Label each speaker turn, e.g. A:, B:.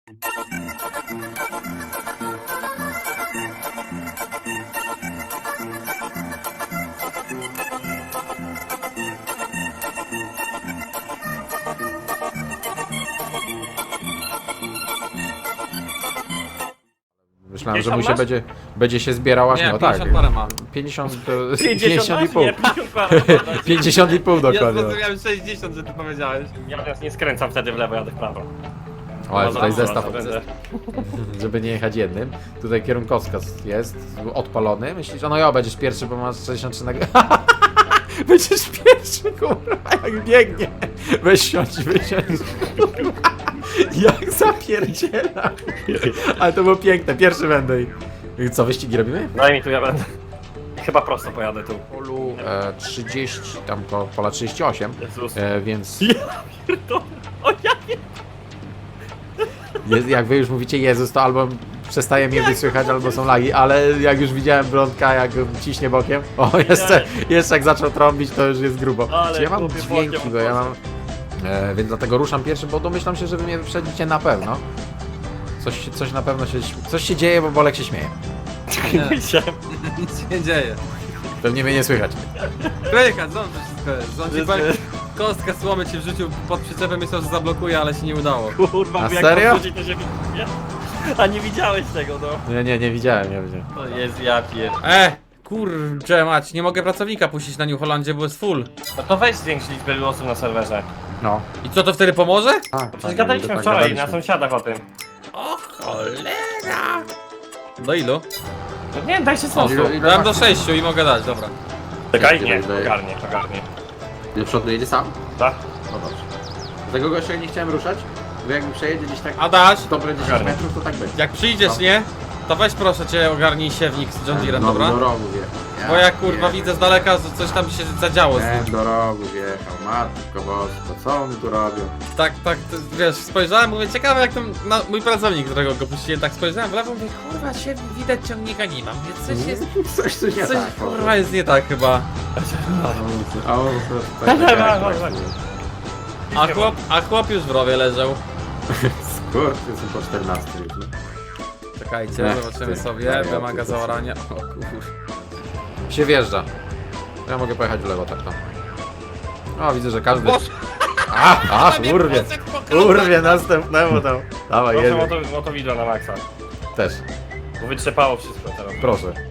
A: Myślałem, że mu się będzie się zbierał aż
B: Nie,
A: no
B: 50
A: tak.
B: parę ma.
A: 50,
C: 50
A: i pół.
C: Nie, 50 parę.
A: 50 i pół
B: Ja
A: dokładnie.
B: zrozumiałem 60, że ty powiedziałeś.
C: Ja teraz nie skręcam wtedy w lewo, jadę w prawo.
A: Ale
C: No,
A: tutaj
C: zaraz
A: zestaw,
C: będę.
A: żeby nie jechać jednym. Tutaj kierunkowskaz jest odpalony. Myślisz, że no ja będziesz pierwszy, bo masz 63 na... Będziesz pierwszy, kurwa, jak biegnie. Weź siądź, wysiądź. Jak zapierdziela. Ale to było piękne, pierwszy będę. I co, wyścigi robimy?
C: Daj mi tu, ja będę. Chyba prosto pojadę tu.
A: Polu 30, tam pola 38,
C: Jezus.
A: więc
C: O ja nie.
A: jak wy już mówicie Jezus, to albo przestaje mnie wysłychać, albo są lagi, ale jak już widziałem Brądka, jak ciśnie bokiem, o jeszcze jak zaczął trąbić, to już jest grubo.
C: Ale
A: Czy ja mam
C: głupie
A: dźwięki,
C: bokiem
A: bo ja mam... więc dlatego ruszam pierwszy, bo domyślam się, że wy mnie wyprzedzicie na pewno. Coś na pewno się... Coś się dzieje, bo Bolek się śmieje.
B: Nic się nie dzieje.
A: Pewnie mnie nie słychać.
B: Kryka, ząb wszystko jest. Ząb ci powiem, kostkę słomy ci wrzucił pod przyczepem, myślał, że zablokuje, ale się nie udało.
C: Kurwa,
A: A
C: bo jak
A: serio?
C: podchodzi, to się widzi. A nie widziałeś tego, no.
A: Nie widziałem.
C: To jest ja pier...
B: Kurczę mać, nie mogę pracownika puścić na New Hollandzie, bo jest full.
C: No to weź zwiększ liczbę osób na serwerze.
A: No.
B: I co, to wtedy pomoże?
C: Przecież gadaliśmy wczoraj na sąsiadach o tym.
B: O cholera! Do ilu?
C: No nie, daj się
A: O,
C: sąsiad.
B: Dałem do 6 i mogę dać, dobra.
C: Czekaj, nie,
A: Ile-
C: ogarnie.
A: Do przodu jedzie sam?
C: Tak?
A: No dobrze. Tego gościa nie chciałem ruszać, bo jakby przejedzie gdzieś tak
B: Adaś,
A: dobre 10
C: Ogarnę.
A: metrów, to tak będzie.
B: jak przyjdziesz, nie? To weź proszę cię ogarnij siewnik z John Deere'em, dobra?
A: Do rogu wjechał.
B: Bo ja kurwa widzę z daleka, że coś tam się zadziało z nim.
A: Do rogu wjechał, matko bosko, co oni tu robią?
B: Tak, wiesz, spojrzałem, mówię, ciekawe jak tam mój pracownik, którego go puściłem, tak spojrzałem w lewo, mówię, kurwa, się widać ciągnika nie mam, więc coś jest,
A: Coś nie
B: coś
A: tak.
B: kurwa jest nie tak chyba.
A: A on tak
B: A chłop już w rowie leżał.
A: Skurczy, są po 14 już. no.
B: Czekajcie, zobaczymy
A: ty,
B: sobie,
A: wariaty,
B: wymaga
A: ty.
B: zaorania. O kurwa.
A: Się wjeżdża. Ja mogę pojechać w lewo tak tam. O, widzę, że każdy... Urwie następnemu tam. Dawaj,
C: Proszę
A: jedzie.
C: o to wideo na maksa.
A: Też,
C: Bo wytrzepało wszystko teraz.
A: proszę.